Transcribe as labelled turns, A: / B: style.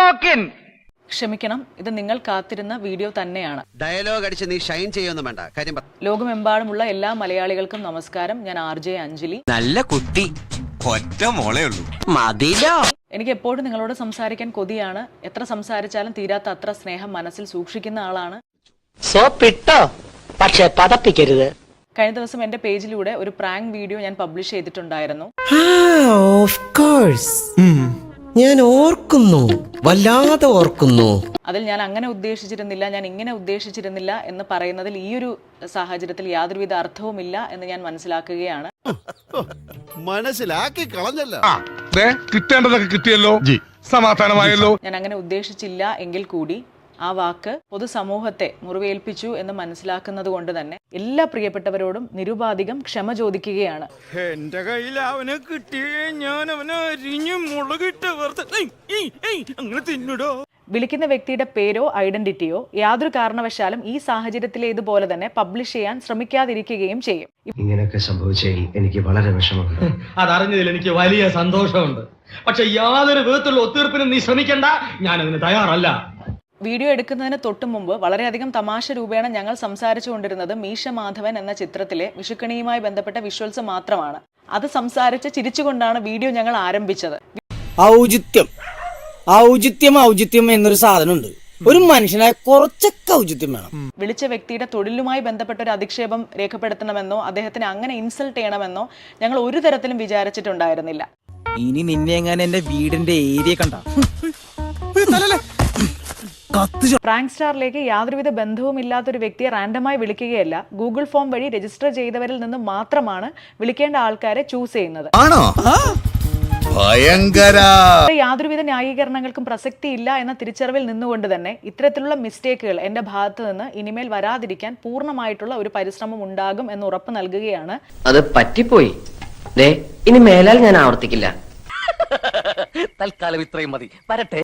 A: ക്ഷമിക്കണം, ഇത് നിങ്ങൾ കാത്തിരുന്ന വീഡിയോ തന്നെയാണ്.
B: ഡയലോഗ് അടിച്ച് നീ ഷൈൻ ചെയ്യൊന്നും വേണ്ട, കാര്യം പറ.
A: ലോകമെമ്പാടുമുള്ള എല്ലാ മലയാളികൾക്കും നമസ്കാരം. ഞാൻ RJ അഞ്ജലി.
C: നല്ല കുട്ടി, ഒറ്റ മോളേ ഉള്ളൂ, മതിലോ.
A: എനിക്ക് എപ്പോഴും നിങ്ങളോട് സംസാരിക്കാൻ കൊതിയാണ്. എത്ര സംസാരിച്ചാലും തീരാത്ത അത്ര സ്നേഹം മനസ്സിൽ സൂക്ഷിക്കുന്ന ആളാണ്.
D: സോപ്പിട്ടോ, പക്ഷെ പതപ്പിക്കരുത്.
A: കഴിഞ്ഞ ദിവസം എന്റെ പേജിലൂടെ ഒരു പ്രാങ്ക് വീഡിയോ ഞാൻ പബ്ലിഷ് ചെയ്തിട്ടുണ്ടായിരുന്നു.
E: ഞാൻ ഓർക്കുന്നു, വല്ലാതെ ഓർക്കുന്നു.
A: അതിൽ ഞാൻ അങ്ങനെ ഉദ്ദേശിച്ചിരുന്നില്ല, ഞാൻ ഇങ്ങനെ ഉദ്ദേശിച്ചിരുന്നില്ല എന്ന് പറയുന്നതിൽ ഈ ഒരു സാഹചര്യത്തിൽ യാതൊരുവിധ അർത്ഥവുമില്ല എന്ന് ഞാൻ മനസ്സിലാക്കുകയാണ്.
F: മനസ്സിലാക്കി കളഞ്ഞല്ലോ,
G: കിട്ടേണ്ടതൊക്കെ കിട്ടിയല്ലോ, സമാധാനമായല്ലോ.
A: ഞാൻ അങ്ങനെ ഉദ്ദേശിച്ചില്ല എങ്കിൽ കൂടി ആ വാക്ക് പൊതുസമൂഹത്തെ മുറിവേൽപ്പിച്ചു എന്ന് മനസ്സിലാക്കുന്നത് കൊണ്ട് തന്നെ എല്ലാ പ്രിയപ്പെട്ടവരോടും നിരുപാധികം ക്ഷമ ചോദിക്കുകയാണ്.
H: എന്റെ കയ്യിൽ അവനെ കിട്ടിയേ ഞാൻ അവനെ അരിഞ്ഞു മുളകിട്ട് അങ്ങനെ തിന്നിടോ.
A: വിളിക്കുന്ന വ്യക്തിയുടെ പേരോ ഐഡന്റിറ്റിയോ യാതൊരു കാരണവശാലും ഈ സാഹചര്യത്തിലേതുപോലെ തന്നെ പബ്ലിഷ് ചെയ്യാൻ ശ്രമിക്കാതിരിക്കുകയും ചെയ്യും.
I: ഇങ്ങനെയൊക്കെ സംഭവിച്ചതിൽ എനിക്ക് വളരെ വിഷമമുണ്ട്.
J: അതറിഞ്ഞതിൽ എനിക്ക് വലിയ സന്തോഷമുണ്ട്. പക്ഷെ യാതൊരു വിധത്തിലുള്ള ഒത്തീർപ്പിനും നീ ശ്രമിക്കണ്ട, ഞാൻ അതിന് തയ്യാറല്ല.
A: വീഡിയോ എടുക്കുന്നതിന് തൊട്ടു മുമ്പ് വളരെയധികം തമാശ രൂപേണ ഞങ്ങൾ സംസാരിച്ചു കൊണ്ടിരുന്നത് മീശ മാധവൻ എന്ന ചിത്രത്തിലെ വിഷുക്കണിയുമായി ബന്ധപ്പെട്ട വിഷ്വൽസ് മാത്രമാണ്. അത് സംസാരിച്ച് ചിരിച്ചുകൊണ്ടാണ് വീഡിയോ ഞങ്ങൾ ആരംഭിച്ചത്.
E: ഔചിത്യം എന്നൊരു സാധനമുണ്ട്. ഒരു മനുഷ്യനായ കുറച്ചൊക്കെ ഔചിത്യം വേണം.
A: വിളിച്ച വ്യക്തിയുടെ തൊഴിലുമായി ബന്ധപ്പെട്ട ഒരു അധിക്ഷേപം രേഖപ്പെടുത്തണമെന്നോ അദ്ദേഹത്തിന് അങ്ങനെ ഇൻസൾട്ട് ചെയ്യണമെന്നോ ഞങ്ങൾ ഒരു തരത്തിലും വിചാരിച്ചിട്ടുണ്ടായിരുന്നില്ല.
C: ഇനി നിന്നെ എങ്ങനെ എന്റെ വീടിന്റെ ഏരിയ കണ്ട
A: പ്രാങ്ക് സ്റ്റാറിലേക്ക് യാതൊരുവിധ ബന്ധവും ഇല്ലാത്തൊരു വ്യക്തിയെ റാൻഡമായി വിളിക്കുകയല്ല, ഗൂഗിൾ ഫോം വഴി രജിസ്റ്റർ ചെയ്തവരിൽ നിന്ന് മാത്രമാണ് വിളിക്കേണ്ട ആൾക്കാരെ ചൂസ് ചെയ്യുന്നത്. യാതൊരുവിധ ന്യായീകരണങ്ങൾക്കും പ്രസക്തി ഇല്ല എന്ന തിരിച്ചറിവിൽ നിന്നുകൊണ്ട് തന്നെ ഇത്തരത്തിലുള്ള മിസ്റ്റേക്കുകൾ എന്റെ ഭാഗത്ത് നിന്ന് ഇനിമേൽ വരാതിരിക്കാൻ പൂർണ്ണമായിട്ടുള്ള ഒരു പരിശ്രമം ഉണ്ടാകും എന്ന് ഉറപ്പ് നൽകുകയാണ്.
D: അത് പറ്റിപ്പോയി, ഇനി മേലാൽ ഞാൻ ആവർത്തിക്കില്ല.
C: തൽക്കാലം ഇത്രയും മതി, വരട്ടെ.